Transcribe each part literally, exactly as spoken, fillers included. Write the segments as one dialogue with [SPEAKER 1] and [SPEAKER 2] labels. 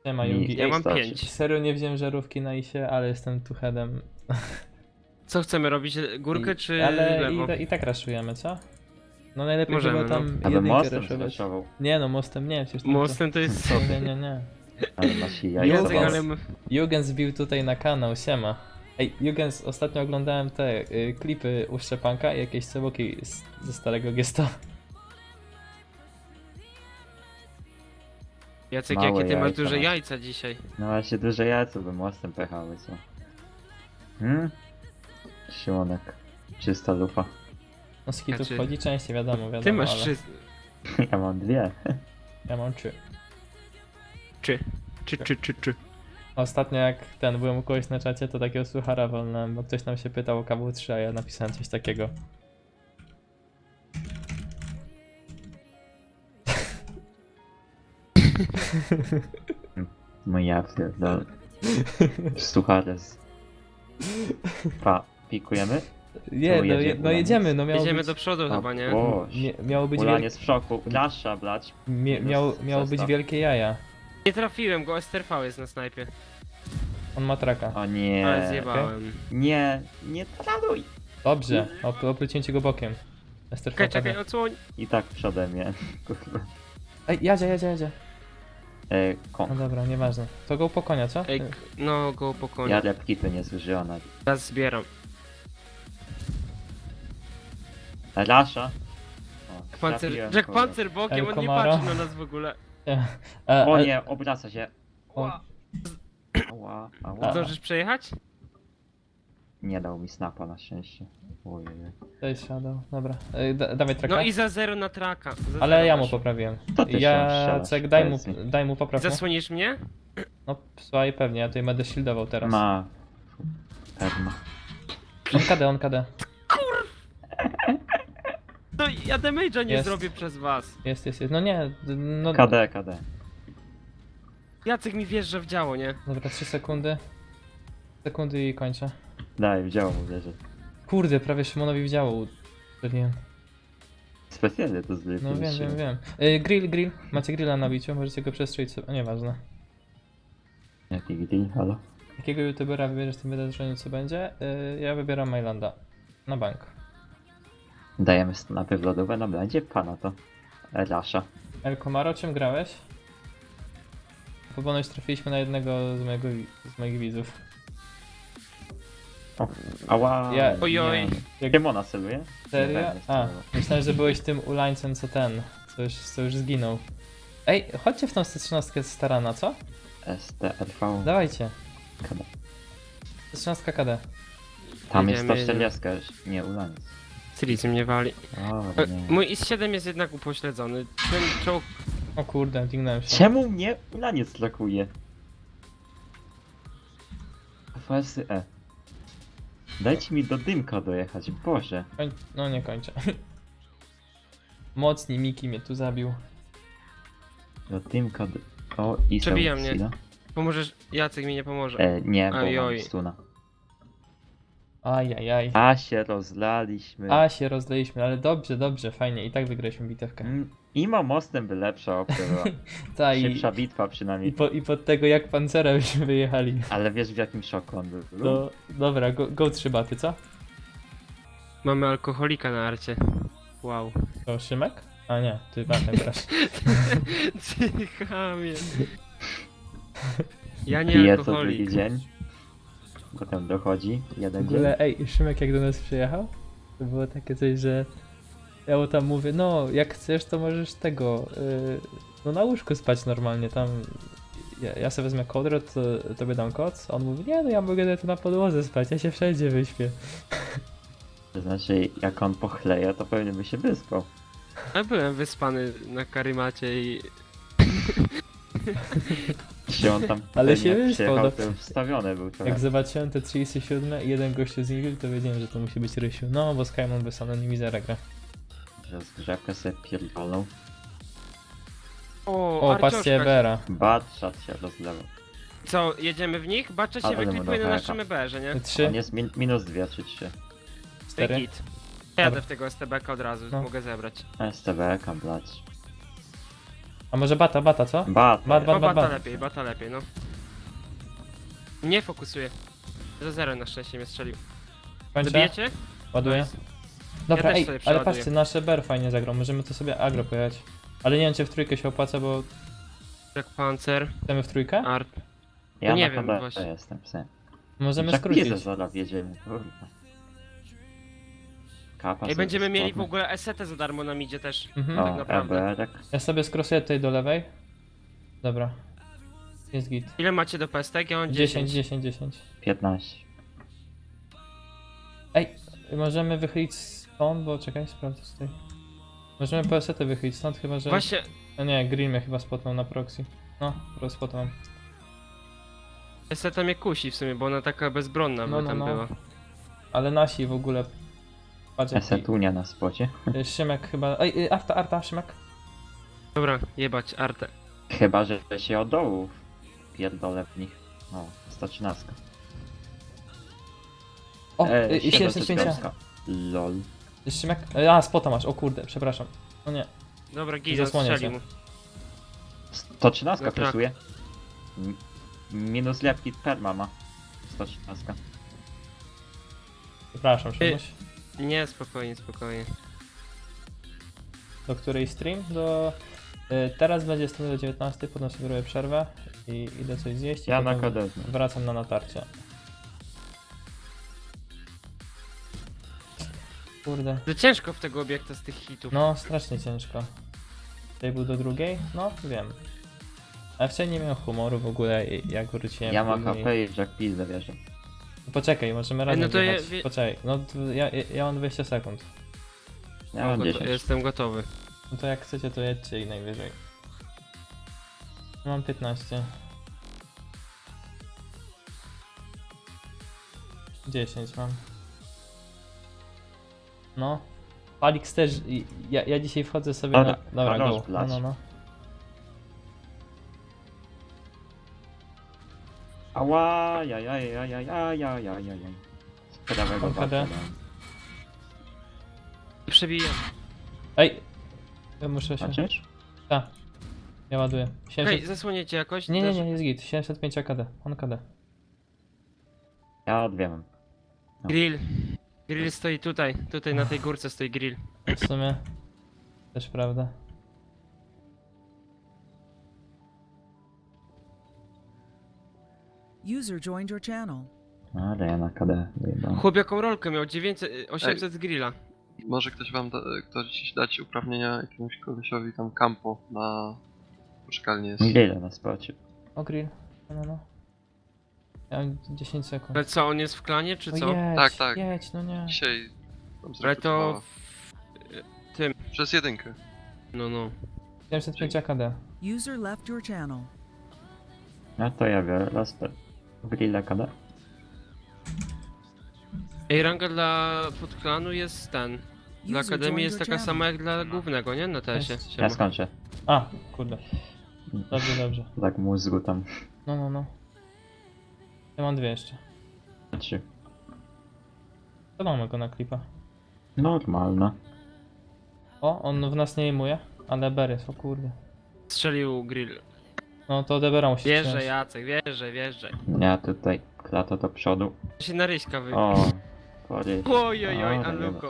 [SPEAKER 1] Nie ma
[SPEAKER 2] Mi-
[SPEAKER 1] Yugi.
[SPEAKER 3] Ja
[SPEAKER 1] Ej,
[SPEAKER 3] mam
[SPEAKER 2] starczy.
[SPEAKER 3] pięć.
[SPEAKER 1] serio nie wziąłem żarówki na isie, ale jestem tu headem.
[SPEAKER 3] Co chcemy robić? Górkę
[SPEAKER 1] I-
[SPEAKER 3] czy
[SPEAKER 1] Ale
[SPEAKER 3] lewo?
[SPEAKER 1] i, i tak raszujemy, co? No najlepiej
[SPEAKER 3] Możemy,
[SPEAKER 1] chyba tam
[SPEAKER 2] Aby
[SPEAKER 1] jedynkę
[SPEAKER 2] mostem
[SPEAKER 1] raszować.
[SPEAKER 2] zraszował.
[SPEAKER 1] Nie no, mostem nie, przecież tam
[SPEAKER 3] Mostem to jest
[SPEAKER 1] to... Nie,
[SPEAKER 3] sobie.
[SPEAKER 1] nie, nie.
[SPEAKER 2] Ale masz i
[SPEAKER 1] Jacek,
[SPEAKER 2] jajca
[SPEAKER 3] Jacek,
[SPEAKER 1] ale-
[SPEAKER 3] ale...
[SPEAKER 2] was.
[SPEAKER 3] m-
[SPEAKER 1] Jürgens wbił tutaj na kanał, siema. Ej, Jürgens, ostatnio oglądałem te y, klipy u Szczepanka i jakieś ceboki z, ze starego gesta.
[SPEAKER 3] Jacek,
[SPEAKER 2] Małe
[SPEAKER 3] jakie ty masz
[SPEAKER 2] jajca
[SPEAKER 3] duże
[SPEAKER 2] masz.
[SPEAKER 3] jajca dzisiaj?
[SPEAKER 2] No właśnie duże jajce by mostem pechały, co? Hmm? Siłonek. Czysta lufa.
[SPEAKER 1] No z kitów
[SPEAKER 3] Znaczy-
[SPEAKER 1] wchodzi częściej, wiadomo, wiadomo,
[SPEAKER 3] Ty masz
[SPEAKER 1] ale
[SPEAKER 3] trzy...
[SPEAKER 2] Ja mam dwie.
[SPEAKER 1] ja mam trzy.
[SPEAKER 3] Czy? Czy, czy, czy, czy?
[SPEAKER 1] Ostatnio jak ten, byłem u kogoś na czacie, to takiego słuchara wolnałem, bo ktoś tam się pytał o K W trzy, a ja napisałem coś takiego.
[SPEAKER 2] No ja pierdolę. Sucharez. Pa, pikujemy?
[SPEAKER 1] Nie, no,
[SPEAKER 2] jedzie
[SPEAKER 1] je, no
[SPEAKER 2] Ulaniec?
[SPEAKER 1] jedziemy, no miało
[SPEAKER 3] Jedziemy
[SPEAKER 1] być,
[SPEAKER 3] do przodu chyba, nie?
[SPEAKER 2] Boż.
[SPEAKER 1] mie, miało być,
[SPEAKER 2] Ulan
[SPEAKER 1] wiel,
[SPEAKER 2] jest w szoku. Lasza, blać.
[SPEAKER 1] mie, miało, miało być
[SPEAKER 2] Zestaw.
[SPEAKER 1] wielkie jaja.
[SPEAKER 3] Nie trafiłem go, S T R V jest na snajpie.
[SPEAKER 1] On ma traka.
[SPEAKER 2] O nie.
[SPEAKER 3] Ale zjebałem.
[SPEAKER 2] Nie, nie traduj.
[SPEAKER 1] Dobrze, op, oplucięcie go bokiem. Ester
[SPEAKER 3] Czekaj,
[SPEAKER 1] Fata
[SPEAKER 3] czekaj,
[SPEAKER 1] wie.
[SPEAKER 3] odsłoń.
[SPEAKER 2] I tak przodem mnie. Kurwa.
[SPEAKER 1] Ej, jadzie, jadzie, jadzie.
[SPEAKER 2] E,
[SPEAKER 1] No
[SPEAKER 2] kon.
[SPEAKER 1] dobra, nieważne. To go po konia, co?
[SPEAKER 3] Ej, k- no go po koniu.
[SPEAKER 2] Ja repki tu nie zużyłam. na-
[SPEAKER 3] Teraz zbieram.
[SPEAKER 2] Lasza. O,
[SPEAKER 3] Pancer...
[SPEAKER 2] trafiłem,
[SPEAKER 3] Jack
[SPEAKER 2] kurwa.
[SPEAKER 3] Pancer bokiem,
[SPEAKER 1] El
[SPEAKER 3] on nie
[SPEAKER 1] Comaro.
[SPEAKER 3] patrzy na nas w ogóle.
[SPEAKER 1] A,
[SPEAKER 2] O
[SPEAKER 1] a-
[SPEAKER 2] nie, obraca się.
[SPEAKER 1] O.
[SPEAKER 2] Ała,
[SPEAKER 1] A.
[SPEAKER 2] ała.
[SPEAKER 3] Zdążysz przejechać?
[SPEAKER 2] Nie dał mi snapa na szczęście. Ojej.
[SPEAKER 1] To jest shadow, dobra. Ej, da, dawaj traka.
[SPEAKER 3] No i za zero na traka. Za
[SPEAKER 1] Ale
[SPEAKER 3] zero
[SPEAKER 1] ja mu
[SPEAKER 3] masz.
[SPEAKER 1] poprawiłem.
[SPEAKER 2] To ty się
[SPEAKER 1] Jacek,
[SPEAKER 2] strzelasz,
[SPEAKER 1] daj mu,
[SPEAKER 2] powiedz mi.
[SPEAKER 1] daj mu popraw. nie?
[SPEAKER 3] Zasłonisz mnie?
[SPEAKER 1] No, słuchaj, pewnie, ja tutaj będę shieldował teraz.
[SPEAKER 2] Ma. Perma.
[SPEAKER 1] On K D, on K D.
[SPEAKER 3] No ja damage'a nie
[SPEAKER 1] Jest.
[SPEAKER 3] zrobię przez was.
[SPEAKER 1] Jest, jest, jest. No nie, d- no...
[SPEAKER 2] K D, K D.
[SPEAKER 3] Jacek mi wjeżdża w działo, nie?
[SPEAKER 1] Dobra, trzy sekundy. Sekundy i kończę.
[SPEAKER 2] Daj, wzięło mu wierzę.
[SPEAKER 1] Kurde, prawie Szymonowi w działo uderzyłem.
[SPEAKER 2] Specjalnie to zbyt.
[SPEAKER 1] No wiem, wiem, wiem. Y, grill, grill. Macie grilla na biciu, możecie go przestrzelić sobie. O, nieważne.
[SPEAKER 2] Jaki gdy, halo?
[SPEAKER 1] Jakiego youtubera wybierzesz w tym wydarzeniu, co będzie? Y, ja wybieram Mailanda. Na bank.
[SPEAKER 2] Dajemy snapy w lodówę, no będzie pana to. Lasza.
[SPEAKER 1] El Comaro, czym grałeś? Po ponoć trafiliśmy na jednego z, mojego, wi- z moich widzów.
[SPEAKER 2] O, ała.
[SPEAKER 1] Ja-
[SPEAKER 3] Ojoj.
[SPEAKER 2] nie.
[SPEAKER 1] Jak-
[SPEAKER 2] Demona celuje?
[SPEAKER 1] Serio?
[SPEAKER 2] Nie,
[SPEAKER 1] A,
[SPEAKER 2] celował.
[SPEAKER 1] myślałem, że byłeś tym ulańcem, co ten, co już, co już zginął. Ej, chodźcie w tą sto trzynaście z Tarana, co?
[SPEAKER 2] S T R V.
[SPEAKER 1] Dawajcie.
[SPEAKER 2] K D.
[SPEAKER 1] sto trzynaście K D.
[SPEAKER 2] Tam jest
[SPEAKER 3] Jedziemy,
[SPEAKER 2] sto czterdzieści już. Nie, ulaniec.
[SPEAKER 3] Silicy mnie wali.
[SPEAKER 2] O,
[SPEAKER 3] E,
[SPEAKER 2] nie.
[SPEAKER 3] Mój I S siedem jest jednak upośledzony. Ten czołg...
[SPEAKER 1] O kurde, dignąłem się.
[SPEAKER 2] Czemu mnie ulaniec lakuje? F S E. Dajcie mi do dymka dojechać, Boże.
[SPEAKER 1] Koń... No nie kończę. Mocni Miki mnie tu zabił.
[SPEAKER 2] Do dymka do... O, i
[SPEAKER 3] Przebija mnie.
[SPEAKER 2] Sila.
[SPEAKER 3] Pomożesz? Jacek mi nie pomoże.
[SPEAKER 2] E, nie, bo
[SPEAKER 3] Oj,
[SPEAKER 2] mam
[SPEAKER 3] oj.
[SPEAKER 2] stuna.
[SPEAKER 1] Ajajaj.
[SPEAKER 2] A się rozlaliśmy.
[SPEAKER 1] A się rozleiliśmy, ale dobrze, dobrze, fajnie. I tak wygraliśmy bitewkę.
[SPEAKER 2] Mm, Imo mostem by lepsza opcja była.
[SPEAKER 1] Ta i,
[SPEAKER 2] Szybsza bitwa
[SPEAKER 1] i,
[SPEAKER 2] przynajmniej.
[SPEAKER 1] po, i pod tego jak pancera byśmy wyjechali.
[SPEAKER 2] Ale wiesz w jakim szoku on był?
[SPEAKER 1] No dobra, go, go trzy baty, co?
[SPEAKER 3] Mamy alkoholika na arcie. Wow.
[SPEAKER 1] To Szymek? A nie, ty batem grasz.
[SPEAKER 3] Ty chamie. Ja nie
[SPEAKER 2] Pije co drugi
[SPEAKER 3] alkoholik.
[SPEAKER 2] dzień. Potem dochodzi jeden
[SPEAKER 1] W
[SPEAKER 2] dzień.
[SPEAKER 1] ogóle, ej, Szymek jak do nas przyjechał, to było takie coś, że ja mu tam mówię, no jak chcesz to możesz tego, yy, no na łóżku spać normalnie, tam ja, ja sobie wezmę kołdrę, to tobie dam koc, on mówi, nie no ja mogę tu na podłodze spać, ja się wszędzie wyśpię.
[SPEAKER 2] To znaczy jak on pochleje, to pewnie by się wyspał.
[SPEAKER 3] Ja byłem wyspany na karymacie i...
[SPEAKER 2] Czy on tam
[SPEAKER 1] Ale
[SPEAKER 2] pewnie
[SPEAKER 1] się
[SPEAKER 2] jak
[SPEAKER 1] wyspał,
[SPEAKER 2] przyjechał,
[SPEAKER 1] no.
[SPEAKER 2] to już wstawiony był trochę.
[SPEAKER 1] Jak zobaczyłem te trzydzieści siedem i jeden gościu z nich, to wiedziałem, że to musi być Rysiu. No, bo Skymon bez anonimizera gra.
[SPEAKER 2] Że zgrzewkę sobie pierdolą.
[SPEAKER 3] O,
[SPEAKER 1] O, patrzcie
[SPEAKER 3] Arcioszka.
[SPEAKER 1] Ebera.
[SPEAKER 2] Batrzat się rozlewał.
[SPEAKER 3] Co, jedziemy w nich? Bacza się
[SPEAKER 2] Ale
[SPEAKER 3] wyklipuje
[SPEAKER 2] będą
[SPEAKER 3] na
[SPEAKER 2] heka.
[SPEAKER 3] naszym E B erze, nie?
[SPEAKER 1] Trzy,
[SPEAKER 2] On jest min minus dwie czy trzy.
[SPEAKER 1] cztery.
[SPEAKER 3] Git. Jadę
[SPEAKER 1] Dobra.
[SPEAKER 3] w tego S T B ka od razu,
[SPEAKER 1] No.
[SPEAKER 3] mogę zebrać.
[SPEAKER 2] S T B, blać.
[SPEAKER 1] A może bata, bata, co?
[SPEAKER 2] Bat.
[SPEAKER 1] Bat, bat,
[SPEAKER 3] O,
[SPEAKER 1] bat,
[SPEAKER 3] bata
[SPEAKER 1] bat.
[SPEAKER 3] lepiej, bata lepiej, no. Nie fokusuję. Za zero na szczęście mnie strzelił.
[SPEAKER 1] Kończę?
[SPEAKER 3] Zabijecie?
[SPEAKER 1] Ładuję.
[SPEAKER 3] Nice.
[SPEAKER 1] Dobra,
[SPEAKER 3] też
[SPEAKER 1] ej,
[SPEAKER 3] sobie
[SPEAKER 1] ale
[SPEAKER 3] przeładuję.
[SPEAKER 1] patrzcie, nasze Bear fajnie zagrał, możemy to sobie agro pojechać. Ale nie wiem, czy w trójkę się opłaca, bo
[SPEAKER 3] Jak pancer,
[SPEAKER 1] chcemy w trójkę?
[SPEAKER 3] arp.
[SPEAKER 2] Ja
[SPEAKER 3] No nie
[SPEAKER 2] na
[SPEAKER 3] wiem,
[SPEAKER 2] kodę
[SPEAKER 3] właśnie.
[SPEAKER 2] jestem, psy.
[SPEAKER 1] Możemy
[SPEAKER 2] Jak
[SPEAKER 1] skrócić.
[SPEAKER 2] pizę zaraz jedziemy, kurwa. Kapa
[SPEAKER 3] Ej,
[SPEAKER 2] sobie
[SPEAKER 3] będziemy mieli w
[SPEAKER 2] spadnie.
[SPEAKER 3] ogóle esetę za darmo na midzie też.
[SPEAKER 1] Mhm.
[SPEAKER 2] O,
[SPEAKER 3] tak naprawdę.
[SPEAKER 2] Eberek.
[SPEAKER 1] Ja sobie skrosuję tutaj do lewej. Dobra. Jest git.
[SPEAKER 3] Ile macie do pestek? Ja mam
[SPEAKER 1] dziesięć,
[SPEAKER 3] dziesięć.
[SPEAKER 1] dziesięć, dziesięć.
[SPEAKER 2] piętnaście.
[SPEAKER 1] Ej, możemy wychylić stąd, bo czekaj, sprawdzę tutaj. Możemy po esetę wychylić stąd, chyba że...
[SPEAKER 3] Właśnie,
[SPEAKER 1] No nie, Green mnie chyba spotnął na proxy. No, rozpotnął.
[SPEAKER 3] eseta mnie kusi w sumie, bo ona taka bezbronna
[SPEAKER 1] No,
[SPEAKER 3] by
[SPEAKER 1] no,
[SPEAKER 3] tam
[SPEAKER 1] no.
[SPEAKER 3] była.
[SPEAKER 1] Ale nasi w ogóle... Patrz jaki...
[SPEAKER 2] Esetunia na spocie.
[SPEAKER 1] y, Szymek chyba... Ej, y, Arta, Arta, Szymek.
[SPEAKER 3] Dobra, jebać artę.
[SPEAKER 2] Chyba, że się od dołu pierdolę w nich. O, sto trzynaście.
[SPEAKER 1] O,
[SPEAKER 2] E,
[SPEAKER 1] y, y, siedemdziesiąt pięć.
[SPEAKER 2] Lol.
[SPEAKER 1] Szymek... y, A, spota masz, o kurde, przepraszam. No nie.
[SPEAKER 3] Dobra, Gizon
[SPEAKER 1] Zasłonię
[SPEAKER 3] strzelił
[SPEAKER 1] cię.
[SPEAKER 3] mu.
[SPEAKER 2] sto trzynaście
[SPEAKER 3] Dobra.
[SPEAKER 2] kosztuje. M- Minus lepki perma ma. sto trzynaście.
[SPEAKER 1] Przepraszam, Szymuś.
[SPEAKER 3] Nie, spokojnie, spokojnie.
[SPEAKER 1] Do której stream? Do... Y, teraz będzie stream do dziewiętnastej, potem sobie robię przerwę i idę coś zjeść i
[SPEAKER 2] Ja na
[SPEAKER 1] potem
[SPEAKER 2] kodę.
[SPEAKER 1] wracam na natarcie. Kurde.
[SPEAKER 3] To ciężko w tego obiekta z tych hitów.
[SPEAKER 1] No, strasznie ciężko. Tutaj był do drugiej? No, wiem. A wcześniej nie miałem humoru w ogóle, i- jak wróciłem.
[SPEAKER 2] Ja mam
[SPEAKER 1] później.
[SPEAKER 2] H P i Jack Pizdę wierzę.
[SPEAKER 1] Poczekaj, możemy razem
[SPEAKER 3] no to ja
[SPEAKER 1] jechać.
[SPEAKER 3] wie-
[SPEAKER 1] Poczekaj, no to ja, ja, ja mam dwadzieścia sekund.
[SPEAKER 2] Ja mam
[SPEAKER 3] Goto-
[SPEAKER 2] dziesięć.
[SPEAKER 3] Jestem gotowy.
[SPEAKER 1] No to jak chcecie, to jedźcie i najwyżej. Mam piętnaście. dziesięć mam. No. Palix też. i- Ja, ja dzisiaj wchodzę sobie
[SPEAKER 2] Dobra,
[SPEAKER 1] na. Dobra,
[SPEAKER 2] a
[SPEAKER 1] go.
[SPEAKER 2] noż
[SPEAKER 1] No,
[SPEAKER 2] blać.
[SPEAKER 1] no, no.
[SPEAKER 2] Ała, ja, ja, ja, ja, ja, ja, ja, ja, ja. Z prawego
[SPEAKER 1] Mam K D.
[SPEAKER 2] walka,
[SPEAKER 3] Przebijam.
[SPEAKER 1] Ej! Ja muszę się.
[SPEAKER 2] Znaczysz?
[SPEAKER 1] Tak. Ja ładuję.
[SPEAKER 3] Hej,
[SPEAKER 1] siedemset...
[SPEAKER 3] zasłoniecie jakoś?
[SPEAKER 1] Nie, nie,
[SPEAKER 3] Też?
[SPEAKER 1] nie, jest git. siedemset pięć A K D. On K D.
[SPEAKER 2] Ja dwie mam.
[SPEAKER 3] Grill. Grill stoi tutaj. Tutaj na tej górce stoi grill.
[SPEAKER 1] W sumie. Też prawda.
[SPEAKER 4] User joined your channel.
[SPEAKER 2] Ale ja na K D wyjebałem.
[SPEAKER 3] Chłop jaką rolkę miał? dziewięćset, osiemset z grilla.
[SPEAKER 5] Może ktoś wam da, ktoś dać uprawnienia jakiemuś kolesiowi tam campo na poczekalni jest.
[SPEAKER 2] Ile na spocie?
[SPEAKER 1] O grill. No, no, no. Ja mam dziesięć sekund.
[SPEAKER 3] Ale co, on jest w klanie, czy
[SPEAKER 1] No
[SPEAKER 3] co?
[SPEAKER 1] jedź,
[SPEAKER 5] Tak, tak.
[SPEAKER 1] jedź, no nie.
[SPEAKER 5] Dzisiaj tam
[SPEAKER 3] Ale to...
[SPEAKER 5] zrekrutowała.
[SPEAKER 3] w-
[SPEAKER 5] Przez jedynkę.
[SPEAKER 3] No, no.
[SPEAKER 1] siedemset pięć A K D.
[SPEAKER 4] User left your channel.
[SPEAKER 2] No to ja biorę Laster. Grilla K D.
[SPEAKER 3] Ej, ranga dla podklanu jest ten. Dla
[SPEAKER 4] User
[SPEAKER 3] akademii
[SPEAKER 4] joined
[SPEAKER 3] jest
[SPEAKER 4] your
[SPEAKER 3] taka
[SPEAKER 4] channel.
[SPEAKER 3] sama jak dla głównego, nie? Na tesie.
[SPEAKER 1] Jest.
[SPEAKER 3] Siema.
[SPEAKER 2] Ja skończę.
[SPEAKER 1] A, kurde. Dobrze, dobrze.
[SPEAKER 2] Tak mózgu tam.
[SPEAKER 1] No, no, no. Ja mam dwie jeszcze.
[SPEAKER 2] Trzy.
[SPEAKER 1] To mamy go na klipa.
[SPEAKER 2] Normalne.
[SPEAKER 1] O, on w nas nie aimuje, ale Ber jest, o kurde.
[SPEAKER 3] Strzelił grill.
[SPEAKER 1] No to Debera musi
[SPEAKER 3] Wjeżdżaj,
[SPEAKER 1] wziąć.
[SPEAKER 3] Jacek, wjeżdżaj, wjeżdżaj.
[SPEAKER 2] Ja tutaj klata do przodu.
[SPEAKER 3] To się na ryśka wybił.
[SPEAKER 2] O, pory.
[SPEAKER 3] Oj, oj, oj,
[SPEAKER 2] O,
[SPEAKER 3] Aluko.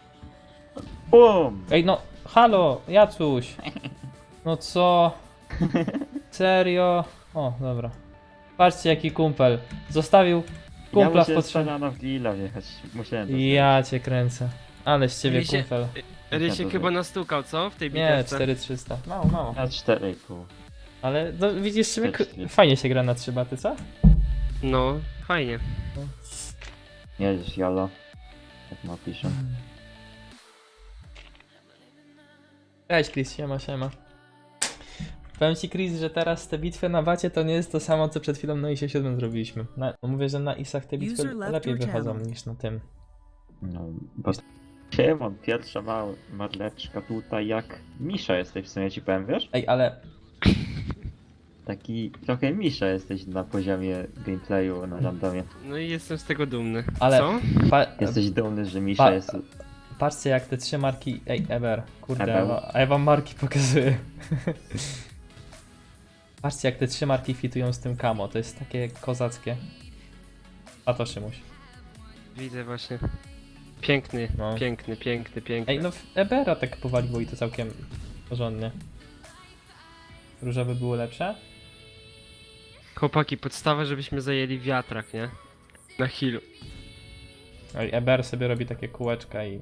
[SPEAKER 2] Bum!
[SPEAKER 1] Ej no, halo, Jacuś! No co? Serio? O, dobra. Patrzcie jaki kumpel. Zostawił
[SPEAKER 2] Ja
[SPEAKER 1] kumpla w
[SPEAKER 2] musiałem
[SPEAKER 1] potrzebie.
[SPEAKER 2] strzelano w grilla wjechać. Musiałem to
[SPEAKER 1] Ja cię kręcę. Ale z ciebie
[SPEAKER 3] Rysie-
[SPEAKER 1] kumpel.
[SPEAKER 3] Rysiek
[SPEAKER 2] to
[SPEAKER 3] chyba
[SPEAKER 2] zrobić.
[SPEAKER 3] nastukał, co? W tej
[SPEAKER 1] Nie,
[SPEAKER 3] bitewce.
[SPEAKER 1] cztery trzysta. Mało, mało.
[SPEAKER 2] Na cztery i pół.
[SPEAKER 1] Ale no, widzisz, Szymek,
[SPEAKER 2] Też-
[SPEAKER 1] fajnie się gra na trzy baty, co?
[SPEAKER 3] No, fajnie.
[SPEAKER 2] Jedziesz jolo. Jak ma piszę.
[SPEAKER 1] Cześć Chris, siema, siema. Powiem ci Chris, że teraz te bitwy na bacie to nie jest to samo co przed chwilą na isie siedem zrobiliśmy. Na, no mówię, że na isach te bitwy
[SPEAKER 4] User left
[SPEAKER 1] lepiej
[SPEAKER 4] your
[SPEAKER 1] wychodzą
[SPEAKER 4] channel.
[SPEAKER 1] niż na tym.
[SPEAKER 2] No, bo... Siemon, pierwsza mała marleczka tutaj jak Misza jesteś w sumie ci powiem, wiesz?
[SPEAKER 1] Ej, ale
[SPEAKER 2] Taki trochę Misza jesteś na poziomie gameplayu na randomie.
[SPEAKER 3] No i jestem z tego dumny.
[SPEAKER 1] Ale-
[SPEAKER 3] Co?
[SPEAKER 1] pa,
[SPEAKER 2] Jesteś dumny, że Misza
[SPEAKER 1] Pa-
[SPEAKER 2] jest...
[SPEAKER 1] patrzcie jak te trzy marki... Ej, Eber, kurde,
[SPEAKER 2] Eber.
[SPEAKER 1] a ja wam marki pokazuję. Patrzcie, jak te trzy marki fitują z tym kamo, to jest takie kozackie. A to Szymuś.
[SPEAKER 3] Widzę właśnie. Piękny,
[SPEAKER 1] No.
[SPEAKER 3] piękny, piękny, piękny.
[SPEAKER 1] Ej, no w Ebera tak powaliło i to całkiem porządnie. Różowe było lepsze?
[SPEAKER 3] Chłopaki, podstawa, żebyśmy zajęli wiatrak, nie? Na healu.
[SPEAKER 1] Oj, Eber sobie robi takie kółeczka i...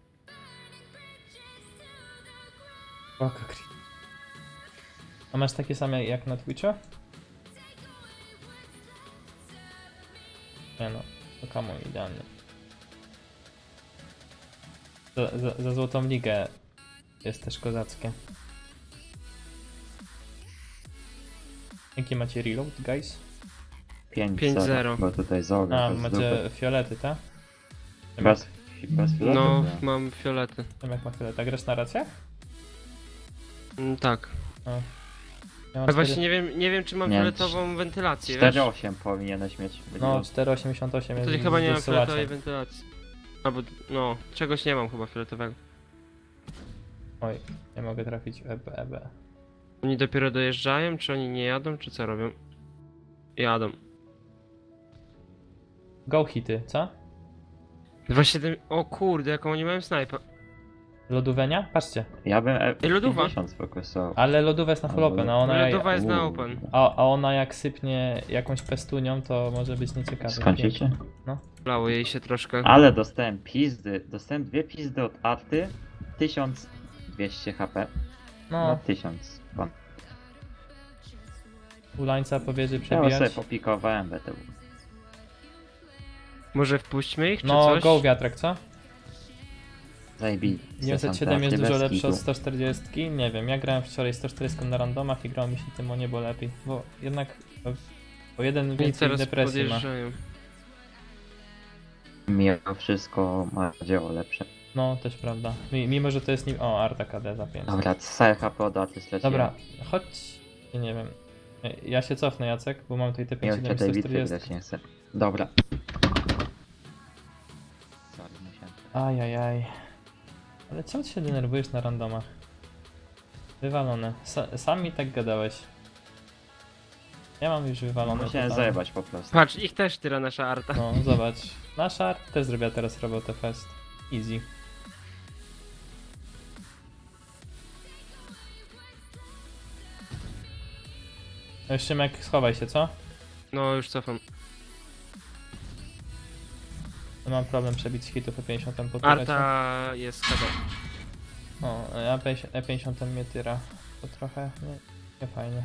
[SPEAKER 1] Oko kri... A masz takie same jak na Twitchu? Nie no, to kamo idealnie. Za, za, za złotą ligę jest też kozackie. Jaki macie reload, guys?
[SPEAKER 2] pięć
[SPEAKER 3] pięć
[SPEAKER 2] zero.
[SPEAKER 3] zero.
[SPEAKER 2] Bo tutaj zoga.
[SPEAKER 1] A,
[SPEAKER 2] bez
[SPEAKER 1] macie
[SPEAKER 2] dupy.
[SPEAKER 1] fiolety, tak?
[SPEAKER 2] Bez, bez filetu,
[SPEAKER 3] No,
[SPEAKER 2] nie?
[SPEAKER 3] mam fiolety.
[SPEAKER 1] Wiem jak ma fioleta. Grasz na racjach?
[SPEAKER 3] Mm, tak.
[SPEAKER 1] Ja mam
[SPEAKER 3] Ale właśnie
[SPEAKER 1] cztery-
[SPEAKER 3] nie wiem, nie wiem czy mam
[SPEAKER 2] Nie,
[SPEAKER 3] fioletową wentylację, wiesz?
[SPEAKER 2] cztery osiem powinieneś mieć.
[SPEAKER 1] No, cztery osiemdziesiąt osiem jest
[SPEAKER 3] Wtedy chyba nie mam
[SPEAKER 1] wysyłaczem.
[SPEAKER 3] fioletowej wentylacji. Albo, no, czegoś nie mam chyba fioletowego.
[SPEAKER 1] Oj, nie mogę trafić w E B, E B.
[SPEAKER 3] Oni dopiero dojeżdżają, czy oni nie jadą, czy co robią? Jadą.
[SPEAKER 1] Go hity, co?
[SPEAKER 3] dwa siedem... O kurde, jaką oni mają snajpa.
[SPEAKER 1] Lodówenia? Patrzcie.
[SPEAKER 2] Ja bym e
[SPEAKER 3] Ej, lodowa.
[SPEAKER 2] pięćdziesiąt sfokusował.
[SPEAKER 1] Ale lodówa jest na full open, a ona,
[SPEAKER 3] Lodowa jest na
[SPEAKER 2] Uuu.
[SPEAKER 3] open.
[SPEAKER 1] a, a ona jak sypnie jakąś pestunią, to może być nieciekawe.
[SPEAKER 2] Skończycie?
[SPEAKER 3] Lało jej się troszkę.
[SPEAKER 2] Ale dostałem pizdy. Dostałem dwie pizdy od Arty. tysiąc dwieście H P. No
[SPEAKER 1] No,
[SPEAKER 2] tysiąc. Pan.
[SPEAKER 1] ulańca powiedzie
[SPEAKER 2] Ja sobie
[SPEAKER 1] przebijać.
[SPEAKER 2] popikowałem B T W.
[SPEAKER 3] Może wpuśćmy ich, czy
[SPEAKER 1] No,
[SPEAKER 3] coś?
[SPEAKER 1] go wiatrak, co?
[SPEAKER 2] Zajebi.
[SPEAKER 1] dziewięćset siedem jest dużo lepsze od sto czterdzieści. Nie wiem, ja grałem wczoraj sto czterdzieści na randomach i grało mi się tym o niebo lepiej. Bo jednak o jeden
[SPEAKER 3] I
[SPEAKER 1] więcej
[SPEAKER 3] teraz
[SPEAKER 1] depresji ma.
[SPEAKER 3] podjeżdżają.
[SPEAKER 2] Mimo wszystko ma dzieło lepsze.
[SPEAKER 1] No, też prawda. Mi- Mimo, że to jest nim... O, Arta K D za pięć.
[SPEAKER 2] Dobra, C H P od Arty straciłem.
[SPEAKER 1] Dobra, chodź... Ja nie wiem. Ja się cofnę, Jacek, bo mam tutaj te
[SPEAKER 2] Nie
[SPEAKER 1] pięć
[SPEAKER 2] chcę
[SPEAKER 1] siedem
[SPEAKER 2] tej
[SPEAKER 1] sto
[SPEAKER 2] bitwy
[SPEAKER 1] czterdzieści.
[SPEAKER 2] grać, nie chcę. Dobra. Sorry, musiałem.
[SPEAKER 1] Ajajaj. Ale czemu ty się denerwujesz na randomach? Wywalone. Sa sam mi tak gadałeś. Ja mam już wywalone.
[SPEAKER 2] Musiałem
[SPEAKER 1] totalnie.
[SPEAKER 2] zajebać po prostu.
[SPEAKER 3] Patrz, ich też tyra nasza arta.
[SPEAKER 1] No, zobacz. Nasza art też zrobiła teraz robotę fest. Easy. No już Szymek, schowaj się, co?
[SPEAKER 3] No, już cofam.
[SPEAKER 1] No mam problem przebić hitów po pięćdziesiąt po turecie.
[SPEAKER 3] Arta jest K D.
[SPEAKER 1] O, a E pięćdziesiąt mnie tyra. To trochę nie, nie fajnie.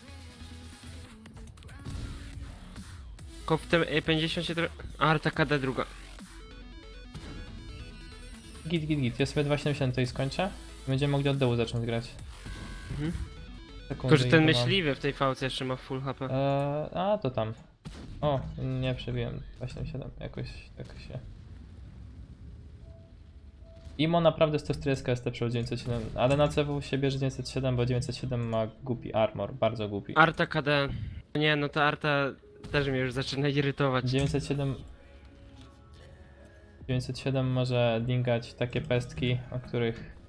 [SPEAKER 3] Tylko w tym E pięćdziesiąt się trochę... Arta K D druga.
[SPEAKER 1] Git, git, git. Ja sobie dwa siedemdziesiąt tutaj skończę. Będziemy mogli od dołu zacząć grać.
[SPEAKER 3] Mhm.
[SPEAKER 1] Taką
[SPEAKER 3] Tylko, że ten
[SPEAKER 1] zaintowaną.
[SPEAKER 3] myśliwy w tej fałce jeszcze ma full H P.
[SPEAKER 1] Eee, a, to tam. O, nie przebiłem. dwa siedemdziesiąt siedem, jakoś, jakoś się... Imo naprawdę sto czterdzieści jest lepszy od dziewięćset siedem, ale na C W się bierze dziewięćset siedem, bo dziewięćset siedem ma głupi armor, bardzo głupi.
[SPEAKER 3] Arta K D. Nie, no ta Arta też mnie już zaczyna irytować.
[SPEAKER 1] dziewięćset siedem... dziewięćset siedem może dingać takie pestki, o których...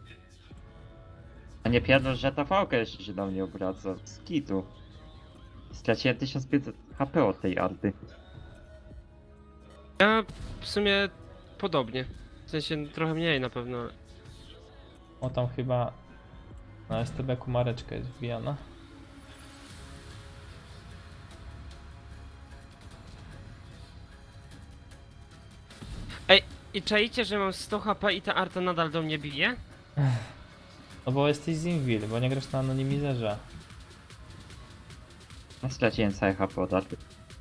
[SPEAKER 2] A nie pierdol, że ta fałka jeszcze się do mnie obraca. Z kitu. Straciłem tysiąc pięćset H P od tej Arty.
[SPEAKER 3] Ja w sumie podobnie. W sensie trochę mniej na pewno. ale-
[SPEAKER 1] O, tam chyba... Na S T B-ku mareczka jest wbijana.
[SPEAKER 3] I czaicie, że mam sto H P i ta Arta nadal do mnie bije?
[SPEAKER 1] No bo jesteś z Invil, bo nie grasz na anonimizerze.
[SPEAKER 2] Ja straciłem całe H P od Arty.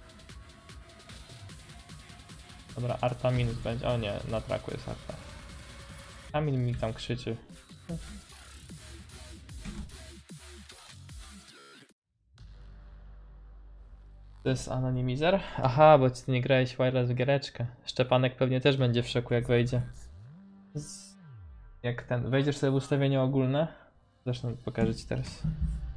[SPEAKER 1] Dobra, Arta minus będzie. O nie, na traku jest Arta. Kamil mi tam krzyczy. To jest anonimizer? Aha, bo ty nie grałeś wireless w giereczkę. Szczepanek pewnie też będzie w szoku jak wejdzie. Z... Jak ten, wejdziesz sobie w ustawienia ogólne? Zresztą pokażę ci teraz.